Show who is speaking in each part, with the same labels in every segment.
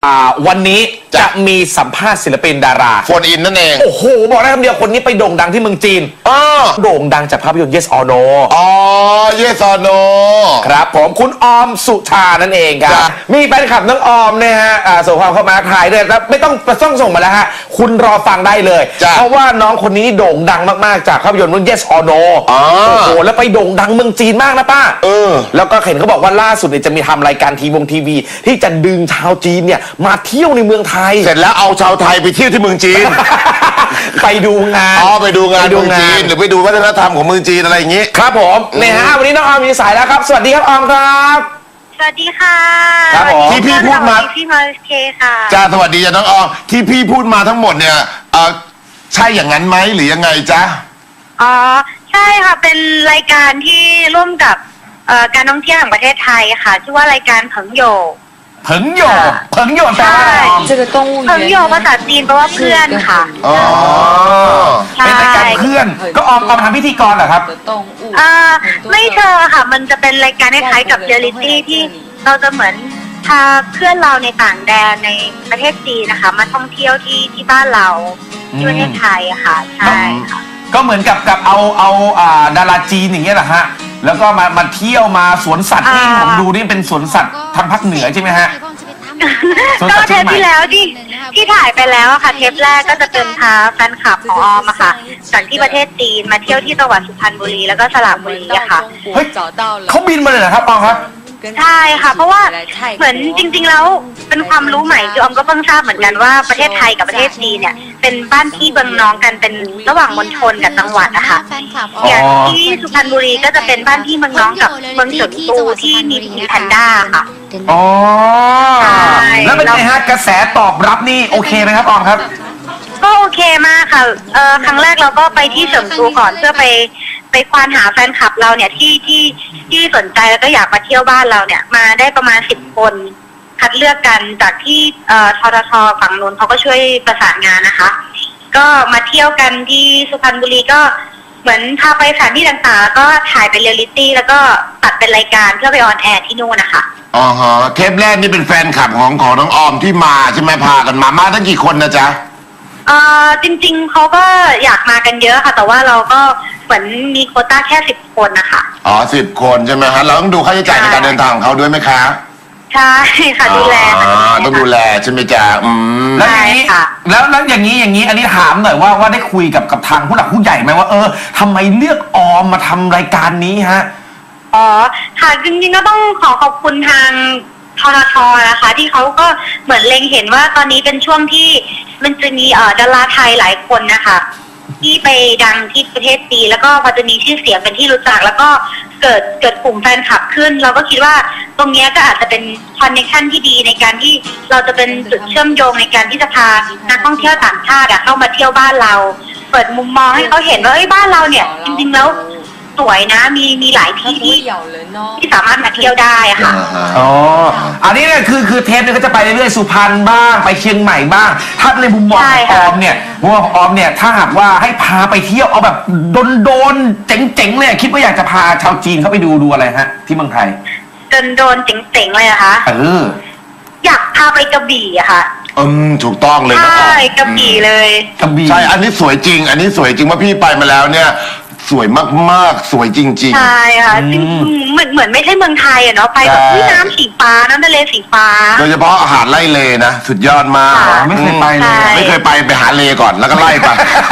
Speaker 1: วันนี้จะมีสัมภาษณ์ศิลปินดารา
Speaker 2: โฟนอินนั่นเอง
Speaker 1: โอ้โหบอกได้คำเดียวคนนี้ไปโด่งดังที่เมืองจีนโด่งดังจากภาพยนตร์ Yes or No
Speaker 2: อ๋อ Yes or No
Speaker 1: ครับผมคุณออมสุชานั่นเองครับมีแฟนคลับน้องออมนะฮะส่งความเข้ามาถ่ายด้วยแล้วไม่ต้องส่งมาแล้วฮะคุณรอฟังได้เลยเพราะว่าน้องคนนี้โด่งดังมากๆจากภาพยนตร์เรื่อง Yes or No โอ้โหแล้วไปโด่งดังเมืองจีนมากนะป้าแล้วก็เห็นเขาบอกว่าล่าสุดเนี่ยจะมีทำรายการทีวีที่จะดึงชาวจีนเนี่ยมาเที่ยวในเมืองไทย
Speaker 2: เสร็จแล้วเอาชาวไทยไปเที่ยวที่เมืองจีน
Speaker 1: ไปดูงาน
Speaker 2: ไปดูงานเมืองจีนหรือไปดูวัฒนธรรมของเมืองจีนอะไรอย่างนี้
Speaker 1: ครับผมเนี่ยฮะวันนี้น้องออมมีสายแล้วครับสวัสดีครับออมครับ
Speaker 3: สวัสดีค่ะ
Speaker 1: ครับผม
Speaker 2: ที่พี่พูดมา
Speaker 3: พี่มาเคค่ะ
Speaker 2: จ้าสวัสดีจ้าน้องออมที่พี่พูดมาทั้งหมดเนี่ยใช่อย่างนั้นไหมหรือยังไงจ๊ะ
Speaker 3: อ๋อใช่ค่ะเป็นรายการที่ร่วมกับการท่องเที่ยวแห่งประเทศไทยค่ะชื่อว่ารายการเผิงโย
Speaker 1: แปลว่าอะไร
Speaker 3: เผิงโยภาษาจีนแปลว่าเพื่อนค่ะ
Speaker 2: อ๋อ
Speaker 1: เป็นรายการเพื่อนก็ออมทำพิธีกรเหรอครับ
Speaker 3: ไม่เชิงค่ะมันจะเป็นรายการคล้ายๆกับเรียลลิตี้ที่เราจะเหมือนพาเพื่อนเราในต่างแดนในประเทศจีนนะคะมาท่องเที่ยวที่บ้านเราที่ประเทศไทยอะค่ะใช่ค่ะ
Speaker 1: ก็เหมือนกับเอาดาราจีนอย่างเงี้ยเหรอฮะแล้วก็มาเที่ยวมาสวนสัตว์ที่ผมดูนี่เป็นสวนสัตว์ทางภาคเหนือใช่ไหมฮะ
Speaker 3: ก็เทปที่แล้วที่ถ่ายไปแล้วค่ะเทปแรกก็จะเป็นพาแฟนคลับของออมอะค่ะจากที่ประเทศจีนมาเที่ยวที่จังหวัดสุพรรณบุรีแล้วก็สระบุรีอะค่ะ
Speaker 1: เฮ้ยเขาบินมาเลยเหรอครับออมครับ
Speaker 3: ใช่ค่ะเพราะว่าเหมือนจริงๆแล้วเป็นความรู้ใหม่ที่ออมก็เพิ่งทราบเหมือนกันว่าประเทศไทยกับประเทศจีนเนี่ยเป็นบ้านพี่เมืองน้องกันเป็นระหว่างมณฑลกับจังหวัดนะคะอย่างที่สุพรรณบุรีก็จะเป็นบ้านพี่เมืองน้องกับเมืองเฉิงตูที่มีแพนด้าค่ะ
Speaker 1: อ๋อแล้วเป็นไงฮะกระแสตอบรับนี่โอเคไหมครับออมครับ
Speaker 3: ก็โอเคมากค่ะครั้งแรกเราก็ไปที่เฉิงตูก่อนเพื่อไปควานหาแฟนคลับเราเนี่ยที่สนใจแล้วก็อยากมาเที่ยวบ้านเราเนี่ยมาได้ประมาณ10 คนคัดเลือกกันจากที่ททฝั่งนู้นเขาก็ช่วยประสานงานนะคะก็มาเที่ยวกันที่สุพรรณบุรีก็เหมือนพาไปสถานที่ต่างๆแล้วก็ถ่ายเป็นเรียลลิตี้แล้วก็ตัดเป็นรายการเพื่อไปออนแอร์ที่นู่นนะคะ
Speaker 2: อ๋อฮะเทปแรกนี่เป็นแฟนคลับของน้องออมที่มาใช่ไหมพากันมาตั้งกี่คนนะจ๊ะ
Speaker 3: จริงๆเขาก็อยากมากันเยอะค่ะแต่ว่าเราก็เหมือนมีโควต้าแค่10 คนนะคะ
Speaker 2: อ๋อ10 คนใช่ไหมฮะเราต้องดูค่าใช้จ่ายในการเดินทางของเขาด้วยไหมคะ
Speaker 3: ใช่ค่ะดูแล
Speaker 2: ต้องดูแลใช่ไหมจ๊ะ
Speaker 1: แล้วอย่างนี้แล้วอย่างนี้อันนี้ถามหน่อยว่าได้คุยกับทางผู้หลักผู้ใหญ่ไหมว่าทำไมเลือกออมมาทำรายการนี้ฮะ
Speaker 3: อ๋อค่ะจริงๆก็ต้องขอบคุณทางททนะคะที่เขาก็เหมือนเล็งเห็นว่าตอนนี้เป็นช่วงที่มันจะมีดาราไทยหลายคนนะคะที่ไปดังที่ประเทศจีนแล้วก็พอจะมีชื่อเสียงเป็นที่รู้จักแล้วก็เกิดกลุ่มแฟนคลับขึ้นเราก็คิดว่าตรงนี้ก็อาจจะเป็นคอนเนคชั่นที่ดีในการที่เราจะเป็นจุดเชื่อมโยงในการที่จะพานักท่องเที่ยวต่างชาติเข้ามาเที่ยวบ้านเราเปิดมุมมองให้เขาเห็นว่าบ้านเราเนี่ยจริงๆแล้วสวยนะมีหลายที่ที่สามารถมาเที่ยวได้ค่ะ
Speaker 1: อ๋ออันนี้เนี่ยคือเทปเนี่ยก็จะไปเรื่อยๆสุพรรณบ้างไปเชียงใหม่บ้างถ้าในมุมมองของออมเนี่ยถ้าหากว่าให้พาไปเที่ยวเอาแบบโดนเจ๋งๆเลยคิดว่าอยากจะพาชาวจีนเข้าไปดูอะไรฮะที่เมืองไทย
Speaker 3: โดนเจ๋งๆเลยอะคะอยากพาไปกระบี่อะค่ะ
Speaker 2: ถูกต้องเลย
Speaker 3: ใช่กระบี่เลย
Speaker 1: กระบี่
Speaker 2: ใช่อันนี้สวยจริงว่าพี่ไปมาแล้วเนี่ยสวยมากๆสวยจริง
Speaker 3: ๆใช่ค่ะเหมือนไม่ใช่เมืองไทยอะเนาะไปแบบน้ำสีฟ้าน้ำทะเลสีฟ้า
Speaker 2: โดยเฉพาะอาหารไล่เลนะสุดยอดมาก
Speaker 1: ไม่เคยไปเลย
Speaker 2: ไม่เคยไปหาเลก่อนแล้วก็ไล่ไป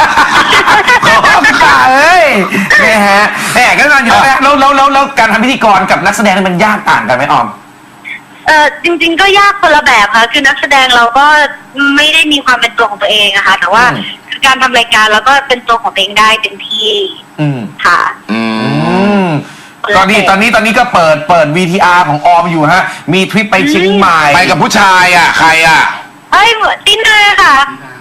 Speaker 1: เนี่ยฮะก็ตอนอยู่แล้วการทำพิธีกรกับนักแสดงมันยากต่างกันไหมออม
Speaker 3: จริงๆก็ยากคนละแบบค่ะคือนักแสดงเราก็ไม่ได้มีความเป็นตัวของตัวเองอะค่ะแต่ว่าคือการทำรายการเราก็เป็นตัวของตัวเองได้เต็มที่ค่ะ
Speaker 1: ตอนนี้ก็เปิด VTR ของออมอยู่ฮะมีทริปไปเชียงใหม่
Speaker 2: ไปกับผู้ชายอะใครอะ
Speaker 3: เหมือนตินาค่ะ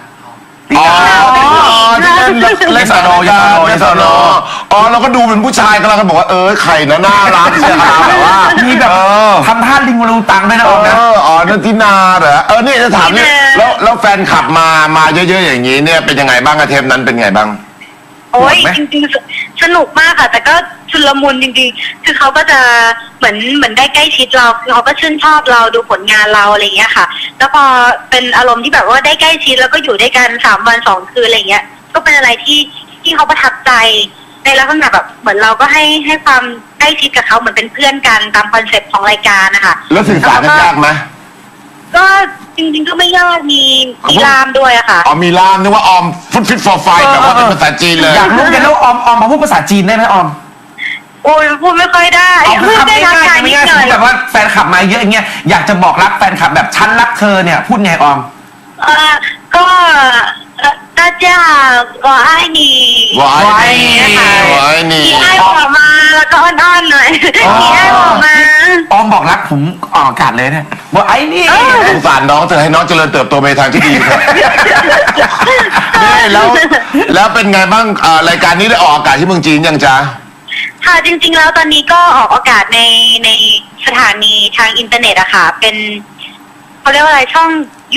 Speaker 2: เลสโนยเราก็ดูเป็นผู้ชายกันแล้วก็บอกว่าใครนะน่ารักใช่ไหมแบบว่า
Speaker 1: มีแบบทำท่าลิงรูตังด้วยนะอนะ
Speaker 2: นันทินาเหรอนี่จะถามเนี่ยแล้วแฟนขับมาเยอะๆอย่างนี้เนี่ยเป็นยังไงบ้างเทปนั้นเป็นไงบ้าง
Speaker 3: โอ้ย
Speaker 1: โหดไหม
Speaker 3: จริงๆสนุกมากค่ะ แต่ก็ชุลมุนจริงๆคือเขาก็จะเหมือนได้ใกล้ชิดเราคือเขาก็ชื่นชอบเราดูผลงานเราอะไรเงี้ยค่ะ แล้วพอเป็นอารมณ์ที่แบบว่าได้ใกล้ชิดแล้วก็อยู่ด้วยกัน3 วัน2 คืนอะไรเงี้ยก็เป็นอะไรที่เขาประทับใจในลักษณะแบบเหมือนเราก็ให้ความใกล้ชิดกับเขาเหมือนเป็นเพื่อนกันตามคอนเซ็ปต์ของรายการนะคะ
Speaker 2: แล้วสื่อสารกันยากไหม
Speaker 3: ก็จริงๆก็ไม่ยากมีล่ามด้วยอะค่ะ
Speaker 2: อ๋อมีล่ามนึกว่าออมฟุตฟิตฟอร์ไฟแบบว่าเป็นภาษาจีนเลย
Speaker 1: อยากรู้กันแล้วออมมาพูดภาษาจีนได้ไหมออม
Speaker 3: โอ้ยพูดไม่ค่อยได้
Speaker 1: เอาคือ
Speaker 3: พูด
Speaker 1: คำ
Speaker 3: ได้
Speaker 1: ง่า
Speaker 3: ทัก
Speaker 1: ย
Speaker 3: ทาย
Speaker 1: ๆ
Speaker 3: นิด
Speaker 1: ง่าย
Speaker 3: หน่อย
Speaker 1: ๆแบบว่าแฟนคลับมาเยอะอย่างเงี้ยอยากจะบอกรักแฟนคลับแบบฉันรักเธอเนี่ยพูดไงออม
Speaker 3: ก็大家我爱你
Speaker 2: วาย
Speaker 1: วาย
Speaker 3: นะคะ
Speaker 2: วายนี่
Speaker 3: มีให้ผมมาแล้วก็อ้อนๆหน่อยมีให้ผมมา
Speaker 1: ออมบอกรักผมออกอากาศเลยเนี่ยบอกไอ้นี่
Speaker 2: สงสารน้องเธอให้น้องเจริญเติบโตไปทางที่ดีครับนี่แล้วเป็นไงบ้างรายการนี้ได้ออกอากาศที่เมืองจีนยังจ๊ะ
Speaker 3: ค่ะจริงๆแล้วตอนนี้ก็ออกอากาศในสถานีทางอินเทอร์เน็ตอะค่ะเป็นเขาเรียกว่าอะไรช่อง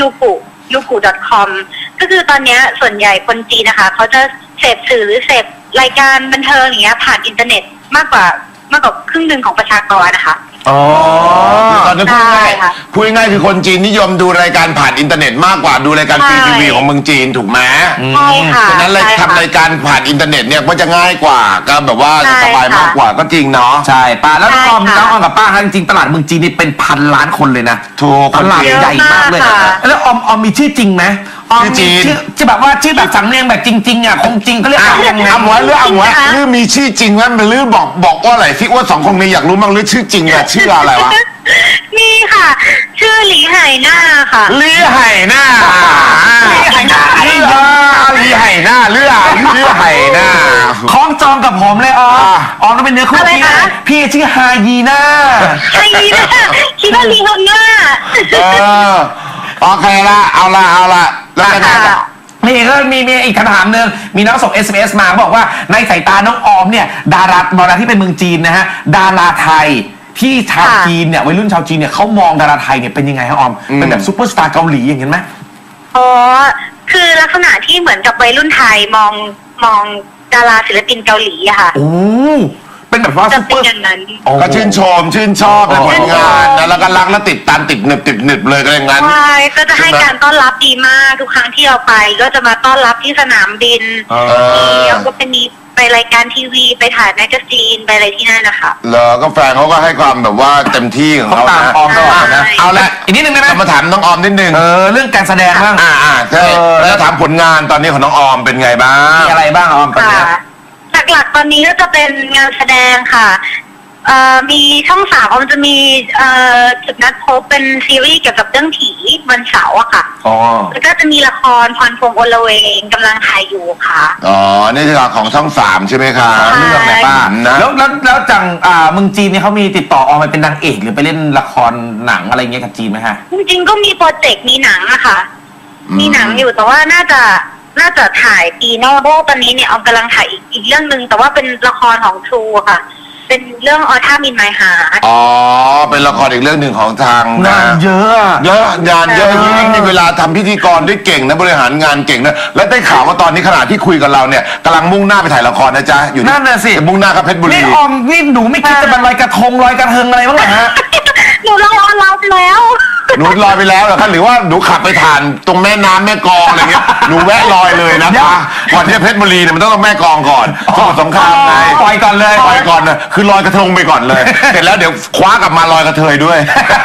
Speaker 3: yuku.com ก็คือตอนเนี้ยส่วนใหญ่คนจีนนะคะเขาจะเสพสื่อหรือเสพรายการบันเทิงอย่างเงี้ยผ่านอินเทอร์เน็ตมากกว่าครึ่งหนึ่งของประชากรนะคะ
Speaker 1: อ๋อ
Speaker 2: ตอนนี้พูดง่ายๆพูดง่ายๆคือคนจีนนิยมดูรายการผ่านอินเทอร์เน็ตมากกว่าดูรายการฟรีทีวีของเมืองจีนถูกไหม
Speaker 3: ใช่ค่ะ
Speaker 2: ฉะนั้นเลย
Speaker 3: ใช่ค่ะ
Speaker 2: ทำรายการผ่านอินเทอร์เน็ตเนี่ยก็จะง่ายกว่าก็แบบว่า
Speaker 3: ใช่
Speaker 2: สบายมากกว่าก็จริงเนาะ
Speaker 1: ใช่ป้าแล้วน้องออม
Speaker 3: ใช่ค่ะ
Speaker 1: น้องออมกับป้าฮะจริงๆตลาดเมืองจีนนี่เป็นพันล้านคนเลยนะ
Speaker 2: ถูก
Speaker 1: ตลาดใหญ่มากเลย
Speaker 3: เยอะมากค่ะ
Speaker 1: แล้วออมมีชื่อจริงไหมออม
Speaker 2: ชื่อจี
Speaker 1: มี
Speaker 2: น
Speaker 1: ชื่อแบบว่าชื่อแบบสำเนียงแบบจริงๆอ่ะคงจริงเขาเรียกออมยังไง
Speaker 2: เอาหมวยหรือเอาหมวยหรือมีชื่อจริงไหมมันหรือบอกว่าอะไรที่ว่า2 คนนี้อยากรู้มั้งหรือชื่อจริงอะชื่ออะไรวะ
Speaker 3: นี่ค่ะ ชื่อหลีไห่หน้าค่ะ
Speaker 2: ลี่ไห่หน้า
Speaker 1: ลี่ไห่หน้า
Speaker 2: ลี่ไห่หน้าเรือลี่ไห่หน้า
Speaker 1: คล้องจองกับผมเลยออมออมต้องเป็นเนื้อคู่
Speaker 3: อะไร
Speaker 1: พี่
Speaker 3: คะ
Speaker 1: พี่ชื่อฮายีน่า
Speaker 3: ไห่หน้าคิดว่าหลีไห่หน้า
Speaker 2: โอเคละเอาละแล้วยังไงต่อ
Speaker 1: นี่ก็มีอีกคำถามหนึ่งมีน้องส่ง SMS มาบอกว่าในสายตาน้องออมเนี่ยดาราที่เป็นเมืองจีนนะฮะดาราไทยที่ชาวจีนเนี่ยวัยรุ่นชาวจีนเนี่ยเขามองดาราไทยเนี่ยเป็นยังไงฮะออมเป็นแบบซุปเปอร์สตาร์เกาหลีอย่างเงี้ยไหม
Speaker 3: อ๋อ คือลักษณะที่เหมือนกับวัยรุ่นไทยมองดาราศิลปินเกาหลีอะค่ะ
Speaker 1: โอ้เป็นแบบว่า
Speaker 3: จะ
Speaker 1: ซุปเป
Speaker 3: เป็
Speaker 1: อน ร์
Speaker 3: อย่างนั้น
Speaker 2: ก็ชื่นชมชื่นชอบในผลงานนะแล้วก็รักและติดตามติดหนึบเลยก็อย่างนั้น
Speaker 3: ใช่ก็จะให้การต้อนรับดีมากทุกครั้งที่เราไป ก็จะมาต้อนรับที่สนามบินแล้วก็เป็นมีไปรายการทีวีไปถ่ายแมกกาซีนไปอะไรที่นั่นนะคะ
Speaker 2: แล้วก็แฟนเขาก็ให้ความแบบว่าเต็มที่ของเขา
Speaker 1: เขาตาม
Speaker 2: นะ
Speaker 1: ออมตลอดนะ
Speaker 2: เอาละ
Speaker 1: อีกนิดนึงได้ไหม
Speaker 2: เรามาถามน้องออมนิดนึง
Speaker 1: เรื่องการแสดงบ้าง
Speaker 2: ใช่แล้วถามผลงานตอนนี้ของน้องออมเป็นไงบ้าง
Speaker 1: มีอะไรบ้างออมตอน
Speaker 3: ค่ะ
Speaker 1: เนี้ย
Speaker 3: หลักๆตอนนี้ก็จะเป็นงานแสดงค่ะมีช่อง3มันจะมีจุดนัดพบเป็นซีรีส์เกี่ยวกับเรื่องผีวันเสาร์อะค่ะ
Speaker 1: อ๋อ
Speaker 3: แล้วก็จะมีละครพรพรหมอลเวงกำลังถ่ายอยู่ค่ะ
Speaker 2: อ๋อนี่คือของช่อง3ใช่ไหมคะ
Speaker 3: ใช่
Speaker 1: เรื่องไหนป้า
Speaker 2: นะ
Speaker 1: แล้วจังเมืองจีนเนี่ยเขามีติดต่อออมไปเป็นนางเอกหรือไปเล่นละครหนังอะไรเงี้ยกับจีนไหมฮะ
Speaker 3: จริงๆก็มีโปรเจกต์มีหนังอะค่ะ มีหนังอยู่แต่ว่าน่าจะถ่ายปีหน้าเพราะว่าตอนนี้เนี่ยเอากำลังถ่ายอีกเรื่องหนึ่งแต่ว่าเป็นละครของทรูค่ะ เป็นเรื่องออท่ามินไมหา
Speaker 2: อ๋อเป็นละครอีกเรื่องหนึ่งของทาง
Speaker 1: งานเยอะอะ
Speaker 2: เยอะงานเยอะ
Speaker 3: ใช่
Speaker 2: ยิ่งมีเวลาทำพิธีกรได้เก่งนะบริหารงานเก่งนะและได้ข่าวว่าตอนนี้ขณะที่คุยกับเราเนี่ยกำลังมุ่งหน้าไปถ่ายละครนะจ๊ะอยู่
Speaker 1: นั่นน่ะสิ
Speaker 2: จะมุ่งหน้ากับเพชรบุรี
Speaker 1: นี่ออมนี่หนูไม่คิดจะมาลอยกระทงลอยกระเทงอะไรบ้างเหรอฮะ
Speaker 3: หนูรอรับแล้ว
Speaker 2: หนูลอยไปแล้วเหรอคะหรือว่าหนูขับไปผ่านตรงแม่น้ำแม่กลองอะไรเงี้ยหนูแวะลอยเลยนะคะก่อนที่จะเพชรบุรีเนี่ยมันต้องแม่กลองก่อนสมุทรสงครามไง
Speaker 1: ปล่อยก่อนเลย
Speaker 2: ลอยก่อนนะคือลอยกระทงไปก่อนเลย เสร็จแล้วเดี๋ยวคว้ากลับมาลอยกระเทยด้วย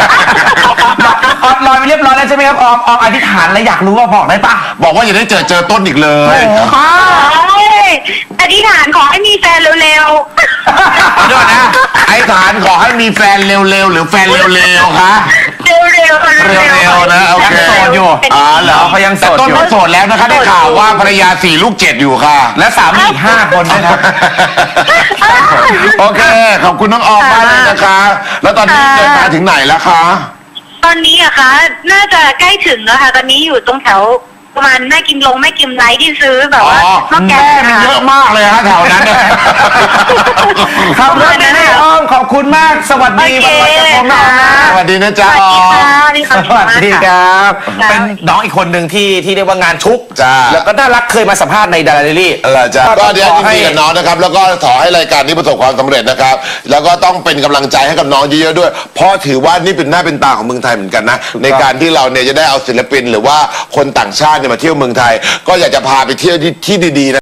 Speaker 1: ลอยไปเรียบร้อยแล้วใช่ไหมครับออมอธิษฐานแล้วอยากรู้ว่าบอกได้ปะ
Speaker 2: บอกว่าอย่าได้เจอต้นอีกเลย
Speaker 1: ป้า
Speaker 3: อธิษฐานขอให้มีแฟนเร็ว
Speaker 2: เดี๋ยวนะไอ้ฐานขอให้มีแฟนเร็วๆหรือแฟนเร็วๆคะ
Speaker 3: ๆ เร็วๆค่ะ
Speaker 2: เร็วๆนะโอเค
Speaker 1: ยังโสดอยู่
Speaker 2: เหรอ
Speaker 1: เขายังโส
Speaker 2: แต่
Speaker 1: ด
Speaker 2: ต้น
Speaker 1: อยู่
Speaker 2: ก็โสดแล้วนะคะได้ข่าวว่าภรรยา4 ลูก 7อยู่ค่ะ
Speaker 1: และสามีอีก5 คนด้วยนะ
Speaker 2: โอเค ขอบคุณน้องออมมากเลยนะคะ แล้วตอนนี้เดินทางถึงไหนแล้วคะ
Speaker 3: ตอนนี้อะคะน่าจะใกล้ถึงแล้วค่ะ ตอนนี้อยู่ตรงแถวประมาณแม่กิมไลท์ที่ซื้อแบบว่าหม้อแก
Speaker 2: แม่
Speaker 3: ง
Speaker 2: มันเยอะมากเลยฮะแถวนั้นเนี่ย
Speaker 1: ครับรถแม่อ้อมขอบคุณมากสวัสดี
Speaker 3: โอเค
Speaker 1: วันลอยกระทงนะออมนะ
Speaker 2: สวัสดีนะ
Speaker 3: ส
Speaker 2: จ๊ะ
Speaker 3: วัสดีค่ะมีความ
Speaker 1: ส
Speaker 3: สุข
Speaker 1: วัส
Speaker 3: มาก
Speaker 1: ดีค
Speaker 3: ค่ะ
Speaker 1: รับ
Speaker 3: ค่ะ
Speaker 1: เป็นน้องอีกคนหนึ่งที่เรียกว่างานชุก
Speaker 2: จ้า
Speaker 1: แล้วก็น่ารักเคยมาสัมภาษณ์ในดาราเดลี่
Speaker 2: อะไรจ้ะก็เดี๋ยว
Speaker 1: ขอ
Speaker 2: ยินดีกับน้องนะครับ แล้วก็ขอให้รายการนี้ประสบความสำเร็จนะครับ แล้วก็ต้องเป็นกำลังใจให้กับน้องเยอะๆด้วย เพราะถือว่านี่เป็นหน้าเป็นตาของเมืองไทยเหมือนกันนะ ในการที่เราเนี่ยจะได้เอาศิลปินหรือว่าคนต่างชาติเนี่ยมาเที่ยวเมืองไทย ก็อยากจะพาไปเที่ยวที่ดีๆนะ